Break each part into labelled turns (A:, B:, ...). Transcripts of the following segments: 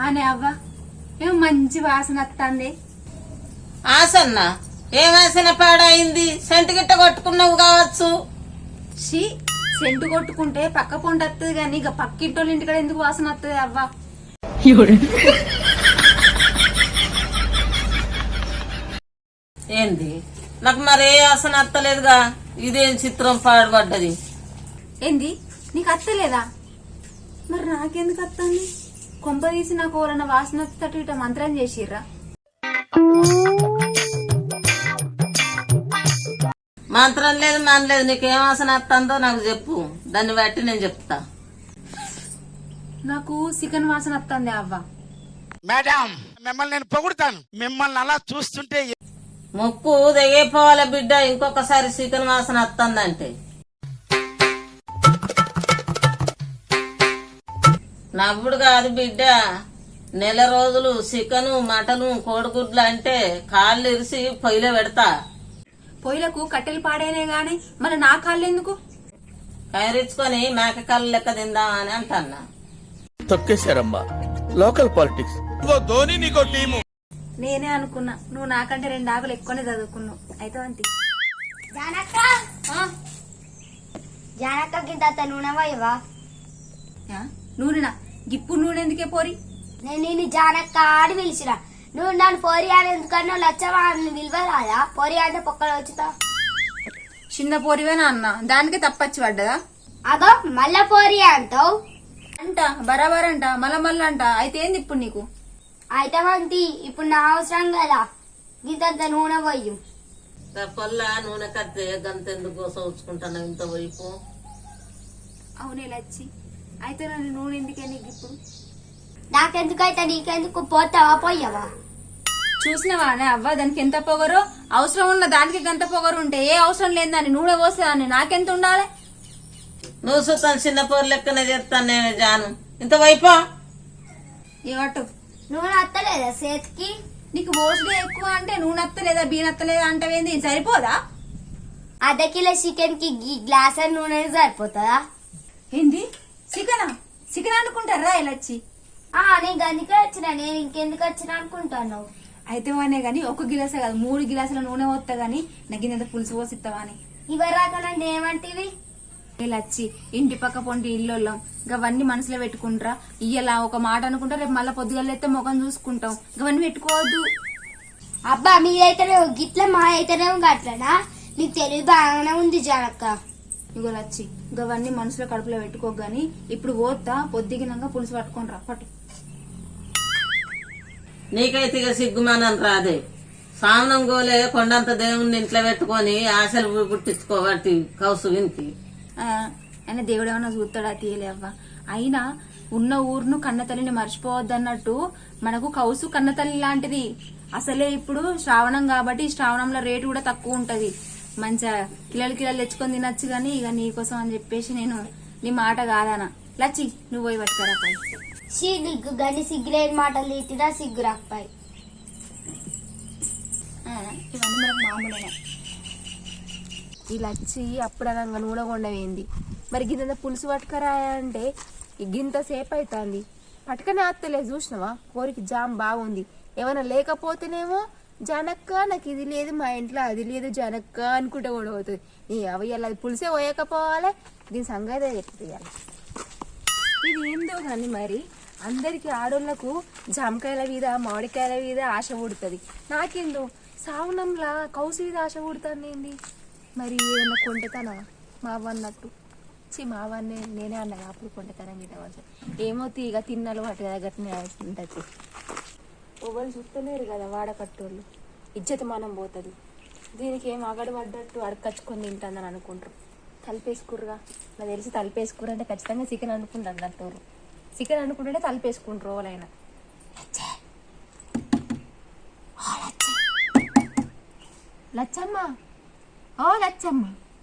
A: అనే అవ్వ ఏం మంచి వాసన వస్తుంది.
B: ఆసన్న ఏ వాసన పాడైంది? సెంటు గిట్ట కొట్టుకున్నావు కావచ్చు.
A: షీ సెంటు కొట్టుకుంటే పక్క పొండి వస్తుంది కానీ ఇక పక్కింటోళ్ళ ఇంటికాడ ఎందుకు వాసన వస్తుంది అవ్వ?
B: ఏంది నాకు మరే వాసన అత్తలేదుగా. ఇదేం చిత్రం పాడుపడ్డది?
A: ఏంది నీకు అత్తలేదా? మరి నాకెందుకు వస్తుంది? కొంప తీసి నాకు ఎవరన్నా వాసన వస్తట్టు ఇట మంత్రం చేసిర్రా?
B: మంత్రం లేదు మన లేదు. నీకేం వాసన వస్తుందో నాకు చెప్పు, దాన్ని బట్టి నేను చెప్తా.
A: నాకు చికెన్ వాసన వస్తుంది అవ్వ.
C: మేడం మిమ్మల్ని నేను పొగుడుతాను. మిమ్మల్ని అలా చూస్తుంటే
B: ముక్కు దిగిపోవాలి బిడ్డ. ఇంకొకసారి చికెన్ వాసన వస్తుందంటే నవ్వుడు కాదు బిడ్డ. నెల రోజులు చికెను మటను కోడిగుడ్లు అంటే కాళ్ళు ఇరిసి పొయ్యిలో పెడతా.
A: పొయ్యిలకు కట్టెలు పాడైనే గాని మరి నా కాళ్ళు ఎందుకు?
B: కైరించుకొని మేక కళ్ళు లెక్క తిందామని అంటన్నా.
D: తొక్కేశారమ్మా లోకల్ పాలిటిక్స్.
C: ధోని నీకో టీము.
A: నేనే అనుకున్నా నువ్వు నాకంటే 2 ఆకులు ఎక్కువనే చదువుకున్నావు. అయితే అంతే.
E: జానక్క గింత నూనె పోయవా?
A: నూనెనా? ఇప్పుడు నూనె ఎందుకే పోరి?
E: నేను నిన్ను జానక్క అని పిలిచిరా. నువ్వు నన్ను పోరి అని ఎందుకన్నా లచ్చవా అని విలువరాదా? పోరి అంటే పొక్కలు వచ్చుతా.
A: చిన్న పోరివేనా అన్న? దానికే తప్పచ్చి పడ్డదా?
E: అగో మళ్ళా పోరి అంటావు
A: అంట బరాబర్ అంట మళ్ళా అంట. అయితే ఏంది ఇప్పుడు నీకు?
E: అయితే వంతి ఇప్పుడు నా అవసరం కదా. గింత నూనె పోయి
B: పొల్ల నూనె కత్తే గంతెందుకు సోచుకుంటాను ఇంత వైపు.
A: అవునే లచ్చి. అయితే నన్ను నూనె ఎందుకే నీకు ఇప్పుడు?
E: నాకెందుకైతే నీకెందుకు? పోతావా పోయావా?
A: చూసినవా అవ్వ దానికి ఎంత పొగరు? అవసరం ఉన్న దానికి గంత పొగరు ఉంటే ఏ అవసరం లేదని నూనె పోసేదాన్ని నాకెంత ఉండాలి?
B: నువ్వు చూస్తాను చిన్న పోరు లెక్కనే చేస్తాను నేను జాను. ఇంత వైపా
A: ఏమట్టు
E: నూనె అత్తలేదా చేతికి?
A: నీకు మోస్ట్లీ ఎక్కువ అంటే నూనె అత్తలేదా బీన్ అత్తలేదా అంటవేంది? సరిపోదా?
E: అర్ధ కిలో చికెన్ కి గ్లాస్ నూనె సరిపోతుందా?
A: ఏంది చికెనా? చికెన్ అనుకుంటారా లచ్చి?
E: నేను అందుకే వచ్చినా. నేను ఇంకెందుకు వచ్చినా అనుకుంటాను.
A: అయితే అనే గాని 1 గిలాసే కాదు 3 గిలాసుల నూనె పోస్తా గాని నాకు ఇంత పులుసు పోసిస్తావా అని.
E: ఇవరాక నన్ను ఏమంటివి?
A: లచ్చి ఇంటి పక్క పొంటి ఇల్లుళ్ళం గవన్నీ మనసులో పెట్టుకుంటారా? ఇయ్యలా ఒక మాట అనుకుంటా రేపు మళ్ళా పొద్దుగలైతే ముఖం చూసుకుంటాం. గవన్నీ పెట్టుకోవద్దు.
E: అబ్బా మీరైతేనే గిట్ల మా అయితేనే గట్లనా? నీకు తెలివి బాగానే ఉంది జానక్క.
A: ఇగో లచ్చి గవన్నీ మనసులో కడుపులో పెట్టుకోగాని ఇప్పుడు పోతా పొద్దుగినంగా పులుసు పట్టుకోనరా పట్టు.
B: నీకైతే ఇక సిగ్గుమానం రాదే. సామనం గోలే కొండంత దేవుణ్ణి ఇంట్లో పెట్టుకొని ఆశలు పుట్టించుకోబట్టి కౌసు వినికి.
A: ఆయన దేవుడు ఏమన్నా చూస్తాడా? తీయలే అవ్వ. అయినా ఉన్న ఊరును కన్నతల్లిని మర్చిపోవద్దన్నట్టు మనకు కౌసు కన్నతల్లి లాంటిది. అసలే ఇప్పుడు శ్రావణం కాబట్టి శ్రావణంలో రేటు కూడా తక్కువ ఉంటది. మంచిగా కిలలు తెచ్చుకొని తినచ్చు గాని ఇక నీకోసం అని చెప్పేసి నేను నీ మాట కాదానా. లచ్చి నువ్వు పోయి పట్టుకరా పై.
E: నీకు గని సిగ్గులేని మాటలు తీతిరా సిగ్గు రాకపోయి.
A: ఇవన్నీ మనకు మామూలేనా? ఈ లచ్చి అప్పుడనంగా నూనె కొండవేంది మరి గింత పులుసు పట్టుకరా అంటే గింత సేపు అవుతుంది. పట్టుకనే అత్తలేదు చూసినవా? కోరికి జామ్ బాగుంది. ఏమైనా లేకపోతేనేమో జనక్క నాకు ఇది లేదు మా ఇంట్లో అది లేదు జనక్క అనుకుంటే కూడా పోతుంది. నీ అవయ్యాలి అది పులిసే పోయకపోవాలి. దీని సంగతే చెప్తాయాలి. ఇది ఏందో కానీ మరి అందరికి ఆడోళ్లకు జామకాయల మీద మామిడికాయల మీద ఆశ పుడుతుంది. నాకేందో సావనంలా కౌసు మీద ఆశ పుడుతుంది ఏంది? మరి ఏదన్నా కొంటతానా మావన్నట్టు? మావన్నే నేనే అన్నా అప్పుడు కొంటతానా మీద ఏమో తీగ తిన్నాలు వాటి దగ్గరనే ఉంటుంది. ఎవరు చూస్తలేరు కదా వాడకట్టోళ్ళు. ఇజ్జత మనం పోతుంది. దీనికి ఏం అగడు పడ్డట్టు అడకచ్చుకొని తింటుందని అనుకుంటారు. తలిపేసుకుర్రుగా నాకు తెలిసి తలిపేసుకుర్రు అంటే ఖచ్చితంగా చికెన్ అనుకుంటారు. అంటారు చికెన్ అనుకుంటుంటే తలిపేసుకుంటారు వాళ్ళైనా. లచ్చమ్మ ఓ లచ్చమ్మ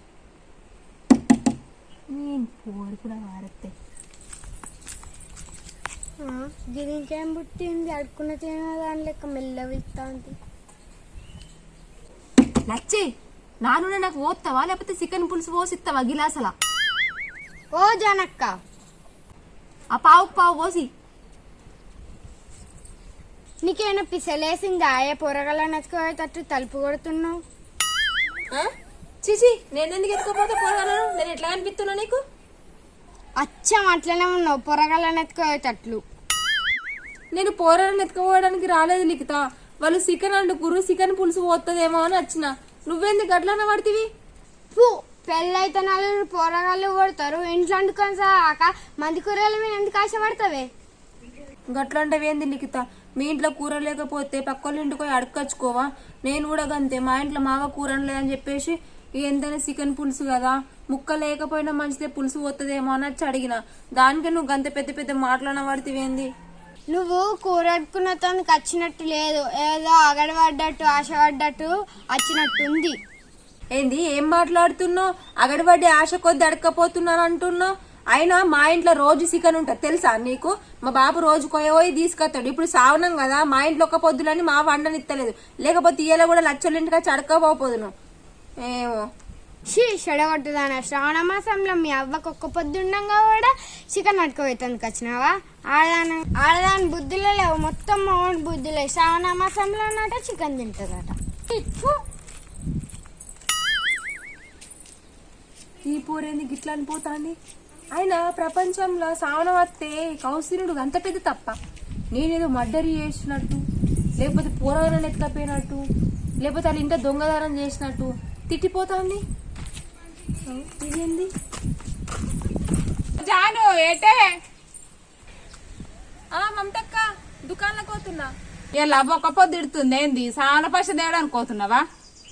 A: నేను పోరు కూడా వారత్తే.
E: దీనికేం పుట్టింది? అడుక్కున్న తిన దాని లెక్క మెల్ల వెళ్తా ఉంది.
A: లచ్చి నా నూనె నాకు పోస్తావా లేకపోతే చికెన్ పులుసు పోసిస్తావా గిలాసలా?
E: ఓ జానక్క
A: ఆ పావుకు పావు పోసి
F: నీకేమైనా పిసలేసిందా ఏ పొరగల నెచ్చుకోయేటట్టు తలుపు కొడుతున్నావు?
A: చిచి నేను ఎందుకు ఎత్తుకోపోతే పోగలను? నేను ఎట్లా అనిపిస్తున్నా నీకు?
F: అచ్చం అట్లనే ఉన్నావు పొరగల నెచ్చుకోయేటట్లు.
A: నేను పోరాలను ఎత్తుకోవడానికి రాలేదు లిఖిత. వాళ్ళు చికెన్ అండుకురు, చికెన్ పులుసు పోతుందేమో అని వచ్చిన. నువ్వెందుకు అట్లా పడితివి?
F: పెళ్ళైతే నలుగురు పొరగాళ్ళు కొడతారు, ఇంట్లో వండుకొని సాక మంది కూరల మీద ఎందుకు ఆశపడతావే?
A: గట్లంటవేంది లిఖిత? మీ ఇంట్లో కూర లేకపోతే పక్కోళ్ళ ఇంటికి పోయి అడుక్కొచ్చుకోవా? నేను కూడా గంతే, మా ఇంట్లో మావ కూర లేదని చెప్పేసి ఎంతైనా చికెన్ పులుసు కదా, ముక్క లేకపోయినా మంచిదే పులుసు పోతుందేమో అని వచ్చి అడిగిన. దానికి నువ్వు గంత పెద్ద పెద్ద మాటలన్న పడితేవేంది?
F: నువ్వు కూర అడుకున్నతోనికి వచ్చినట్టు లేదు, ఏదో అగడపడ్డట్టు ఆశపడ్డట్టు వచ్చినట్టుంది.
A: ఏంది ఏం మాట్లాడుతున్నావు? అగడబడి ఆశ కొద్ది అడకపోతున్నాను అంటున్నావు. అయినా మా ఇంట్లో రోజు చికెన్ ఉంటుంది తెలుసా నీకు? మా బాబు రోజు పోయి తీసుకొస్తాడు. ఇప్పుడు సావనం కదా, మా ఇంట్లో ఒక పొద్దులని మా వండనిత్తలేదు. లేకపోతే ఇయ్యలో కూడా లచ్చల ఇంటికి వచ్చి అడకపోదును. ఏమో
F: చెడగొట్టుదాన శ్రావణ మాసంలో మీ అవ్వకు ఒక్క పొద్దుండగా కూడా చికెన్ అడుకోవేతానికి వచ్చినావా? ఆడదాని బుద్ధులే లేవు, మొత్తం మౌంట్ బుద్ధులే. శ్రావణ మాసంలో అన్నట చికెన్ తింటుందట.
A: ఈ పూరేంది గిట్లా అనిపోతాంది? అయినా ప్రపంచంలో సావనం వస్తే కౌశీనుడు అంత పెద్ద తప్ప. నేనేదో మర్డర్ చేసినట్టు, లేకపోతే పూరగాలను ఎత్తుకపోయినట్టు, లేకపోతే వాళ్ళ ఇంట్లో దొంగదానం చేసినట్టు తిట్టిపోతాంది. ఇదేంది?
G: జాను ఏటే
A: మమతక్క దుకాణంలోకి పోతున్నా.
G: ఇలా ఒక్క పొద్దు ఇడుతుంది ఏంది? సాన పశ తేడానికి పోతున్నావా?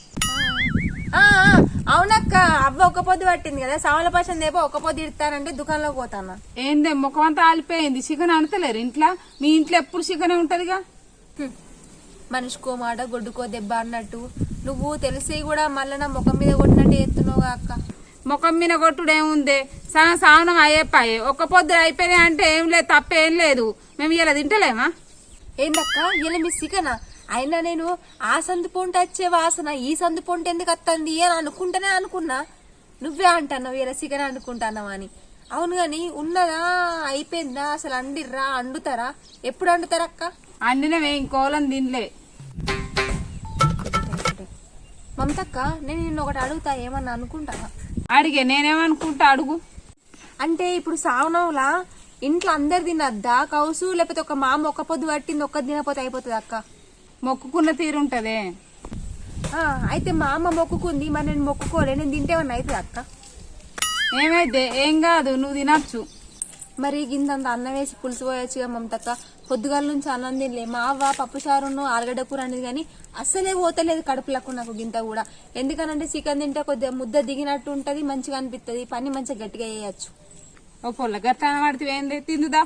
A: అవునక్క, అవ్వ ఒక పొద్దు పట్టింది కదా, సావల పశం దేపో ఒక పొద్దు ఇడతానంటే దుకాణంలోకి పోతానా.
G: ఏందే ముఖం అంతా ఆలిపోయింది, చికెన్ అనతలేరు ఇంట్లో? మీ ఇంట్లో ఎప్పుడు చికెన్ ఉంటదిగా.
A: మనిషికో మాట గొడ్డుకో దెబ్బ అన్నట్టు నువ్వు తెలిసి కూడా మళ్ళీ నా ముఖం మీద కొట్టినట్టు ఎత్తున్నావుగా అక్క.
G: ముఖం మీద కొట్టుడు ఏముంది? సావనం అయ్యేపాయే, ఒక్క పొద్దు అయిపోయినాయి అంటే ఏం లేదు, తప్పేం లేదు. మేము ఇలా తింటలేమా?
A: ఏందక్క ఇలా మీ చికెనా? అయినా నేను ఆ సందు పొంట వచ్చే వాసన ఈ సందు పొంట ఎందుకు వస్తుంది అని అనుకుంటానే అనుకున్నా. నువ్వే అంటున్నావు ఇలా చికెన్ అనుకుంటున్నావు అని. అవును గాని ఉన్నదా అయిపోయిందా? అసలు అండిర్రా? అండుతారా? ఎప్పుడు అండుతారా అక్క?
G: అండినవే, ఇంకోలం తినలే.
A: మమతక్క నేను నిన్ను ఒకటి అడుగుతా, ఏమన్నా అనుకుంటావా?
G: అడిగే, నేనేమనుకుంటా అడుగు.
A: అంటే ఇప్పుడు సావనంలా ఇంట్లో అందరు తినద్దా కౌసు? లేకపోతే ఒక మామ ఒక్క పొద్దు పట్టింది ఒక్క తినపోతే అయిపోతుంది అక్క?
G: మొక్కుకున్న తీరుంటదే.
A: అయితే మా అమ్మ మొక్కుకుంది, మరి నేను మొక్కుకోలే, నేను తింటేమన్నా అవుతుంది అక్క?
G: ఏమైతే ఏం కాదు, నువ్వు తినచ్చు.
A: మరి గింతంత అన్నం వేసి పులుసు పోయొచ్చుగా మమతక్క. పొద్దుగాల నుంచి అన్నం తినలే. మా అవ్వ పప్పుచారును ఆలుగడ్డ కూర అనేది కానీ అస్సలే పోతలేదు కడుపులకు నాకు గింత కూడా. ఎందుకనంటే చికెన్ తింటే కొద్దిగా ముద్ద దిగినట్టు ఉంటది, మంచిగా అనిపిస్తుంది, పని మంచిగా గట్టిగా చేయొచ్చు.
G: ఓ పొల్ల గట్ట పడితే ఏంది, తిందుదా.